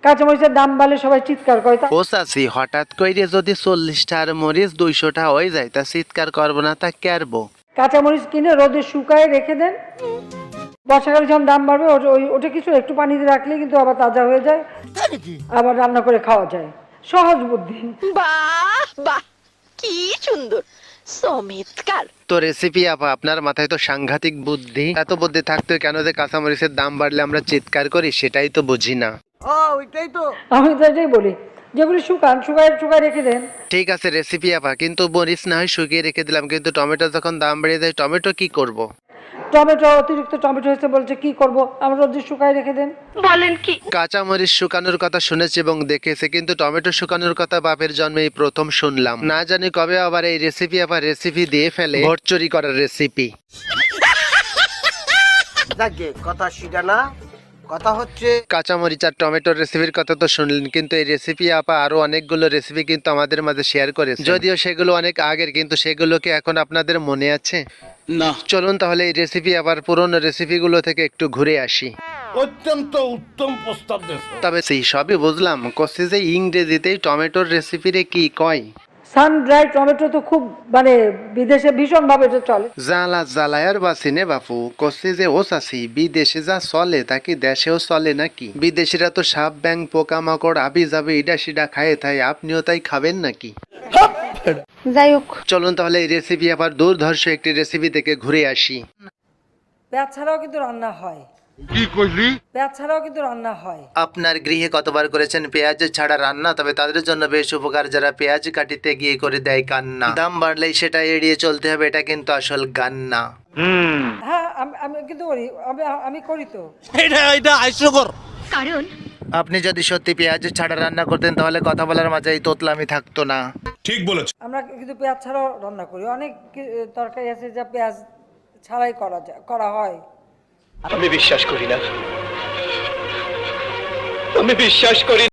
কাঁচামরিচের দাম বাড়লে সবাই চিৎকার করে। ও চাচি, হঠাৎ কইরে যদি 40টার মরিচ 200টা হয়ে যায় তা চিৎকার করবো না তা কেরবো? কাঁচামরিচ কিনে রোদে শুকায় রেখে দেন, বর্ষাকালে যখন দাম বাড়বে ওটা কিছু একটু পানিতে রাখলে কিন্তু আবার তাজা হয়ে যায়, আবার রান্না করে খাওয়া যায়। সহজ বুদ্ধি। বাহ বাহ, কি সুন্দর, চমৎকার। তো রেসিপি আপা, আপনার মাথায় তো সাংঘাতিক বুদ্ধি। এত বুদ্ধি থাকতে কেন যে কাঁচামরিচের দাম বাড়লে আমরা চিৎকার করি সেটাই তো বুঝি না। আমি তো এটাই বলি, যেগুলি শুকায় রেখে দেন। ঠিক আছে রেসিপি আপা, কিন্তু মরিচ না হয় শুকিয়ে রেখে দিলাম, কিন্তু টমেটো যখন দাম বেড়ে যায় টমেটো কি করব? টমেটো অতিরিক্ত টমেটো হয়েছে বলছে, কি করব? আমরা রোদে শুকায় রেখে দেন। বলেন কি? কাঁচামরিচ শুকানোর কথা শুনেছি এবং দেখেছি, কিন্তু টমেটো শুকানোর কথা বাপের জন্মেই প্রথম শুনলাম। না জানি কবে আবার এই রেসিপি আবার রেসিপি দিয়ে ফেলে ভোট চুরি করার রেসিপি। কথা সেটা না, কথা হচ্ছে কাঁচামরিচ আর টমেটোর রেসিপির কথা তো শুনলেন, কিন্তু এই রেসিপি আপা আরো অনেকগুলো রেসিপি কিন্তু আমাদের মাঝে শেয়ার করেছে, যদিও সেগুলো অনেক আগের, কিন্তু সেগুলো কি এখন আপনাদের মনে আছে? না। চলুন তাহলে এই রেসিপি আবার পুরনো রেসিপিগুলো থেকে একটু ঘুরে আসি। অত্যন্ত উত্তম প্রস্তাব দিয়েছো। তবে সেই সবই বুঝলাম, কষে যে ইংরেজিতেই টমেটোর রেসিপিরে কি কয়? সান ড্রাই টমেটো তো খুব মানে বিদেশে ভীষণ ভাবে এটা চলে। জ্বালা জ্বালায়ার বাসিনে বাপু, কষে যে ও চাষি বিদেশে যা চলে তা কি দেশেও চলে নাকি? বিদেশিরা তো সাপ ব্যাং পোকামাকড় আবি যাবে ইডা সিডা খায়, তাই আপনিও তাই খাবেন নাকি? যাই হোক, চলুন তাহলে এই রেসিপি আবার দুর্ধর্ষ একটি রেসিপি থেকে ঘুরে আসি। পেঁয়াজ ছাড়াও কিন্তু রান্না হয়। কি কইলি? পেঁয়াজ ছাড়াও কিন্তু রান্না হয়। আপনার গৃহে কতবার করেছেন পেঁয়াজ ছাড়া রান্না? তবে তাদের জন্য বেশ উপকার যারা পেঁয়াজ কাটিতে গিয়ে করে দেয় কান্না। দাম বাড়লেই সেটা এড়িয়ে চলতে হবে, এটা কিন্তু আসল গান না। হ্যাঁ, আমি কিন্তু করি, আমি করি তো। এটা হাস্যকর। কারণ আপনি যদি সত্যি পেঁয়াজ ছাড়া রান্না করতেন তাহলে কথা বলার মাঝে এই তোতলামি থাকতো না। ঠিক বলেছ। আমরা কিন্তু পেঁয়াজ ছাড়াও রান্না করি। অনেক তরকারি আছে যা পেঁয়াজ ছাড়াই করা হয়। আমি বিশ্বাস করি না, আমি বিশ্বাস করি